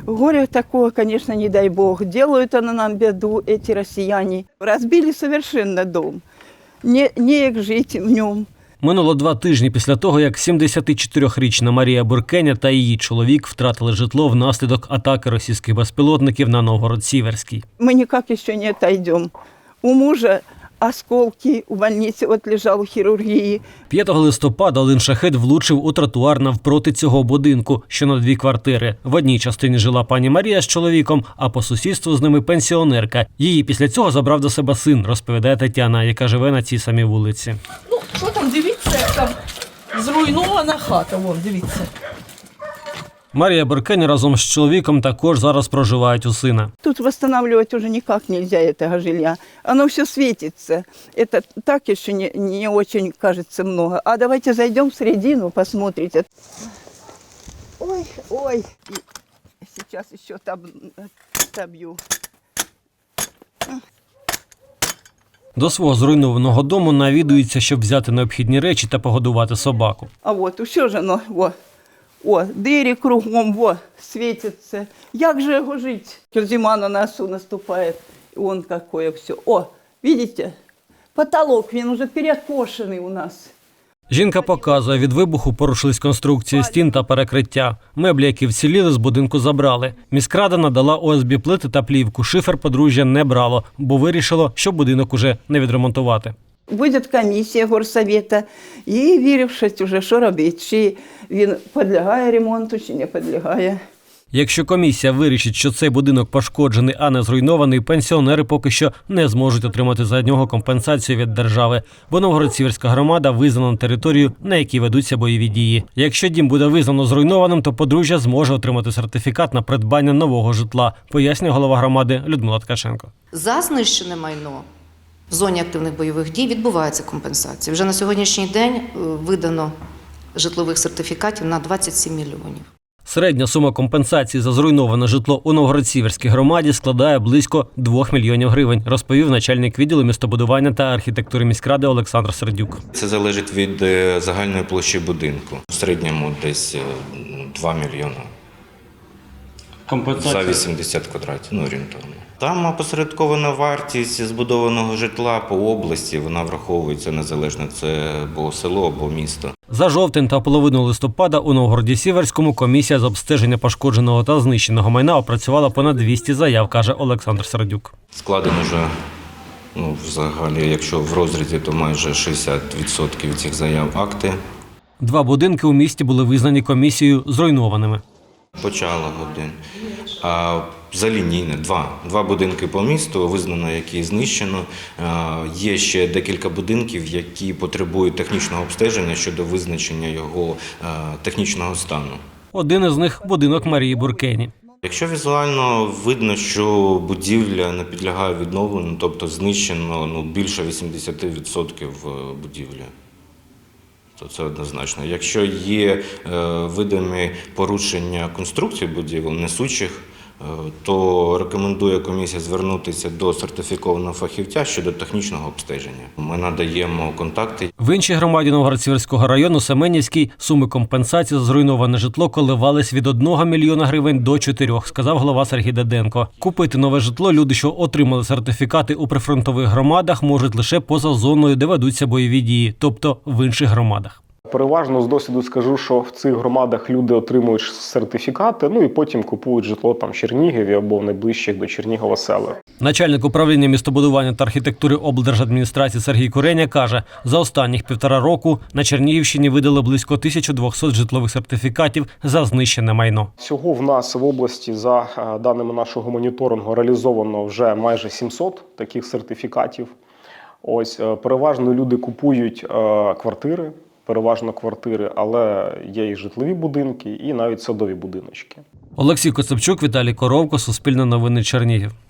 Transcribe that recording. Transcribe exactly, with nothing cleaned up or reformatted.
Горе такого, конечно, не дай бог. Делают они нам беду, эти россияне. Разбили совершенно дом. Не, не як жить в нем. Минуло два тижні після того, як сімдесятичотирирічна Марія Буркеня та її чоловік втратили житло внаслідок атаки російських безпілотників на Новгород-Сіверський. Мы никак еще не отойдем. У мужа осколки, у больницы вот лежал у хирургии. п'ятого листопада один шахет влучив у тротуар навпроти цього будинку, що на дві квартири. В одній частині жила пані Марія з чоловіком, а по сусідству з ними пенсіонерка. Її після цього забрав до себе син, розповідає Тетяна, яка живе на цій самій вулиці. Ну, що там, дивіться, як там зруйнована хата, вон, дивіться. Марія Буркеня разом з чоловіком також зараз проживають у сина. Тут восстанавливать уже никак нельзя этого жилья. Оно все светится. Это так еще не, не очень кажется много. А давайте зайдем в середину, посмотрите. Ой, ой. И сейчас еще таб, табью. До свого зруйнованого дому навідується, щоб взяти необхідні речі та погодувати собаку. А вот, все же оно, во. О, двері кругом, во, світиться. Як же його жити? Зима на носу наступає, і он какое все. О, видите? Потолок, він уже перекошений у нас. Жінка показує, від вибуху порушились конструкції стін та перекриття. Меблі, які вціліли, з будинку забрали. Міськрада надала о ес бе плити та плівку. Шифер подружжя не брало, бо вирішило, що будинок уже не відремонтувати. Буде комісія горсовета і вирішить уже, що робити. Чи він підлягає ремонту, чи не підлягає. Якщо комісія вирішить, що цей будинок пошкоджений, а не зруйнований, пенсіонери поки що не зможуть отримати за нього компенсацію від держави, бо Новгород-Сіверська громада визнана територією, на якій ведуться бойові дії. Якщо дім буде визнано зруйнованим, то подружжя зможе отримати сертифікат на придбання нового житла, пояснює голова громади Людмила Ткаченко. За знищене майно в зоні активних бойових дій відбувається компенсація. Вже на сьогоднішній день видано житлових сертифікатів на двадцять сім мільйонів. Середня сума компенсації за зруйноване житло у Новгород-Сіверській громаді складає близько двох мільйонів гривень, розповів начальник відділу містобудування та архітектури міськради Олександр Сердюк. Це залежить від загальної площі будинку. В середньому десь два мільйони. Компенсація? За вісімдесят квадратів, ну орієнтовно. Там опосередкована вартість збудованого житла по області, вона враховується незалежно, це або село, або місто. За жовтень та половину листопада у Новгороді-Сіверському комісія з обстеження пошкодженого та знищеного майна опрацювала понад двісті заяв, каже Олександр Сердюк. Складено вже, ну, взагалі, якщо в розрізі, то майже шістдесят відсотків цих заяв акти. Два будинки у місті були визнані комісією зруйнованими. Почало один. А за лінійне два. Два будинки по місту визнано, які знищено. Є ще декілька будинків, які потребують технічного обстеження щодо визначення його технічного стану. Один із них – будинок Марії Буркені. Якщо візуально видно, що будівля не підлягає відновленню, тобто знищено ну, більше вісімдесят відсотків будівлі, то це однозначно. Якщо є е, видимі порушення конструкції будівель, несучих, е, то рекомендує комісія звернутися до сертифікованого фахівця щодо технічного обстеження. Ми надаємо контакти. В іншій громаді Новгород-Сіверського району Семенівській суми компенсації за зруйноване житло коливались від одного мільйона гривень до чотирьох, сказав голова Сергій Деденко. Купити нове житло люди, що отримали сертифікати у прифронтових громадах, можуть лише поза зоною, де ведуться бойові дії, тобто в інших громадах. Переважно з досвіду скажу, що в цих громадах люди отримують сертифікати, ну і потім купують житло там в Чернігові або в найближчих до Чернігова селах. Начальник управління містобудування та архітектури облдержадміністрації Сергій Куреня каже, за останніх півтора року на Чернігівщині видали близько тисяча двісті житлових сертифікатів за знищене майно. Всього в нас в області, за даними нашого моніторингу, реалізовано вже майже сімсот таких сертифікатів. Ось, переважно люди купують квартири, переважно квартири, але є і житлові будинки, і навіть садові будиночки. Олексій Коцепчук, Віталій Коровко, Суспільне новини, Чернігів.